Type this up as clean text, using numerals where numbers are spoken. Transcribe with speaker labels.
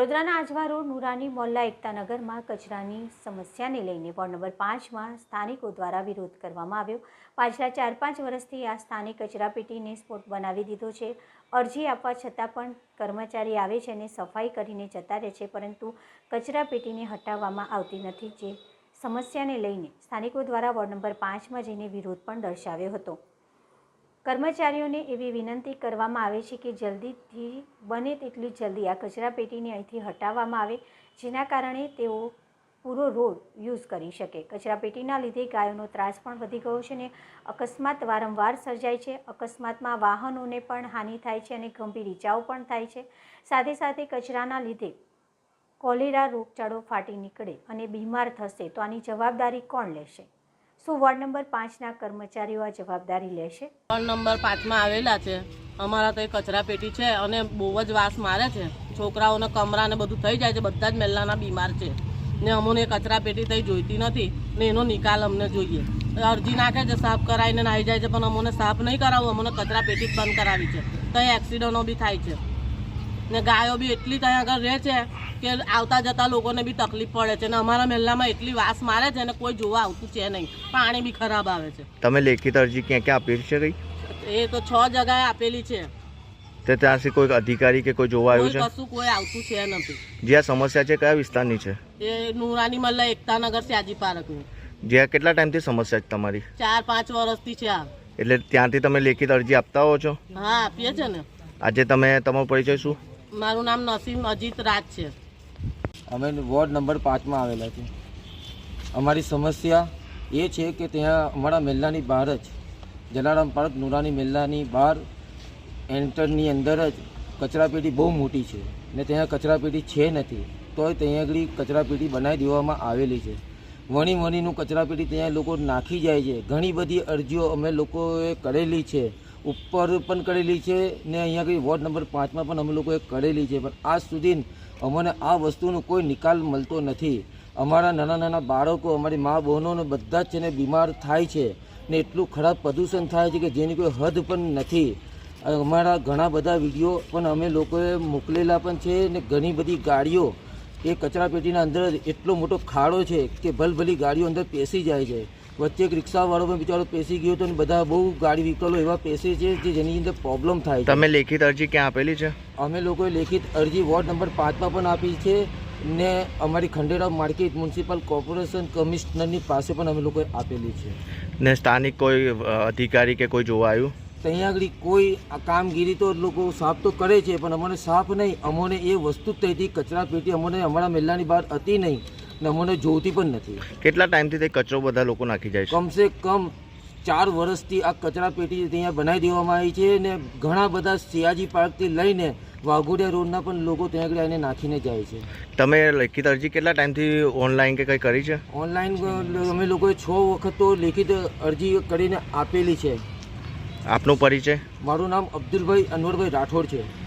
Speaker 1: વડોદરાના આજવા રોડ નુરાની મોલ્લા એકતાનગરમાં કચરાની સમસ્યાને લઈને વોર્ડ નંબર 5માં સ્થાનિકો દ્વારા વિરોધ કરવામાં આવ્યો। પાછલા 4-5 વર્ષથી આ સ્થાનિક કચરાપેટીને સ્પોટ બનાવી દીધો છે। અરજી આપવા છતાં પણ કર્મચારી આવે છે અને સફાઈ કરીને જતા રહે છે, પરંતુ કચરાપેટીને હટાવવામાં આવતી નથી। જે સમસ્યાને લઈને સ્થાનિકો દ્વારા વોર્ડ નંબર 5માં જઈને વિરોધ પણ દર્શાવ્યો હતો। કર્મચારીઓને એવી વિનંતી કરવામાં આવે છે કે જલ્દીથી બને તેટલી જલ્દી આ કચરાપેટીને અહીંથી હટાવવામાં આવે, જેના કારણે તેઓ પૂરો રોડ યુઝ કરી શકે। કચરાપેટીના લીધે ગાયોનો ત્રાસ પણ વધી ગયો છે અને અકસ્માત વારંવાર સર્જાય છે। અકસ્માતમાં વાહનોને પણ હાનિ થાય છે અને ગંભીર ઈજાઓ પણ થાય છે। સાથે સાથે કચરાના લીધે કોલેરા રોગચાળો ફાટી નીકળે અને બીમાર થશે તો આની જવાબદારી કોણ લેશે? શું વોર્ડ નંબર 5ના કર્મચારીઓ આ જવાબદારી લેશે?
Speaker 2: વોર્ડ નંબર 5માં આવેલા છે। અમારા તો કચરાપેટી છે અને બહુ જ વાસ મારે છે। છોકરાઓને કમરા ને બધું થઈ જાય છે, બધા જ મહિલાના બીમાર છે ને અમને કચરાપેટી થઈ જોઈતી નથી ને એનો નિકાલ અમને જોઈએ। અરજી નાખે છે, સાફ કરાવીને નાહી જાય છે, પણ અમને સાફ નહીં કરાવવું, અમને કચરાપેટી જ બંધ કરાવી છે। તો એક્સિડન્ટો બી થાય છે ને ગાયો બી એટલી ત્યાં આગળ રહે છે કે આવતા જતા લોકોને બી તકલીફ પડે છે ને અમારા મહેલામાં એટલી વાસ મારે છે ને કોઈ જોવા આવતું છે નહીં। પાણી બી ખરાબ આવે છે।
Speaker 3: તમે લેખિત અરજી ક્યાં ક્યાં આપેલી છે? કઈ
Speaker 2: એ તો 6 જગ્યાએ આપેલી છે।
Speaker 3: તો ત્યાંથી કોઈ અધિકારી કે કોઈ જોવા આવ્યું છે?
Speaker 2: કશું કોઈ આવતું છે નથી।
Speaker 3: જે આ સમસ્યા છે કયા વિસ્તારની છે?
Speaker 2: એ નુરાની મલ્લા એકતાનગર શ્યાજી પાર્કની।
Speaker 3: જે કેટલા ટાઈમથી સમસ્યા છે તમારી?
Speaker 2: 4-5 વર્ષથી છે આ।
Speaker 3: એટલે ત્યાંથી તમે લેખિત અરજી આપતા હો છો?
Speaker 2: હા, આપીએ છે ને।
Speaker 3: આજે તમે તમારો પરિચય શું?
Speaker 2: મારું નામ નસીમ અજીત રાજ છે।
Speaker 4: અમે વોર્ડ નંબર 5માં આવેલા છે। અમારી સમસ્યા એ છે કે ત્યાં અમારા મહેલાની બહાર જ જલારામ પાર્ક નુરાની મહેલાની બહાર એન્ટરની અંદર જ કચરાપેટી બહુ મોટી છે ને ત્યાં કચરાપેટી છે નથી, તોય ત્યાં આગળ કચરાપેટી બનાવી દેવામાં આવેલી છે। વણીનું કચરાપેટી ત્યાં લોકો નાખી જાય છે। ઘણી બધી અરજીઓ અમે લોકોએ કરેલી છે, ઉપર પણ કરેલી છે ને અહીંયા આગળ વોર્ડ નંબર 5માં પણ અમે લોકોએ કરેલી છે, પણ આજ સુધી અમને આ વસ્તુનો કોઈ નિકાલ મળતો નથી। અમારા નાના બાળકો, અમારી મા બહેનોને બધા જ છે ને બીમાર થાય છે ને એટલું ખરાબ પ્રદૂષણ થાય છે કે જેની કોઈ હદ પણ નથી। અમારા ઘણા બધા વિડીયો પણ અમે લોકોએ મોકલેલા પણ છે ને ઘણી બધી ગાડીઓ એ કચરાપેટીના અંદર એટલો મોટો ખાડો છે કે ભલભલી ગાડીઓ અંદર પેસી જાય છે। વચ્ચે એક રિક્ષાવાળો પણ બિચારો પેસી ગયો હતો અને બધા બહુ ગાડી વ્હીકલો એવા પેસે છે જે જેની અંદર પ્રોબ્લેમ થાય છે।
Speaker 3: તમે લેખિત અરજી ક્યાં આપેલી છે?
Speaker 4: અમે લોકોએ લેખિત અરજી વોર્ડ નંબર 5માં પણ આપી છે ને અમારી ખંડેરાવ માર્કેટ મ્યુનિસિપલ કોર્પોરેશન કમિશનરની પાસે પણ અમે લોકોએ આપેલી છે।
Speaker 3: ને સ્થાનિક કોઈ અધિકારી કે કોઈ જોવા આવ્યું?
Speaker 4: ત્યાં આગળ કોઈ આ કામગીરી તો લોકો સાફ તો કરે છે, પણ અમને સાફ નહીં, અમને એ વસ્તુ જ થઈ હતી કચરાપેટી અમને અમારા મહેલાની બહાર હતી નહીં ને અમને જોતી પણ નથી।
Speaker 3: કેટલા ટાઈમથી તે કચરો બધા લોકો નાખી જાય છે?
Speaker 4: કમસે કમ 4 વર્ષથી આ કચરાપેટી ત્યાં બનાવી દેવામાં આવી છે ને ઘણા બધા સિયાજી પાર્કથી લઈને વાઘોડિયા રોડના પણ લોકો ત્યાં આગળ આવીને નાખીને જાય છે।
Speaker 3: તમે લેખિત અરજી કેટલા ટાઈમથી ઓનલાઈન કે કંઈ કરી છે?
Speaker 4: ઓનલાઈન અમે લોકોએ 6 વખત તો લેખિત અરજી કરીને આપેલી છે।
Speaker 3: આપનો પરિચય?
Speaker 4: મારું નામ અબ્દુલભાઈ અનવરભાઈ રાઠોડ છે।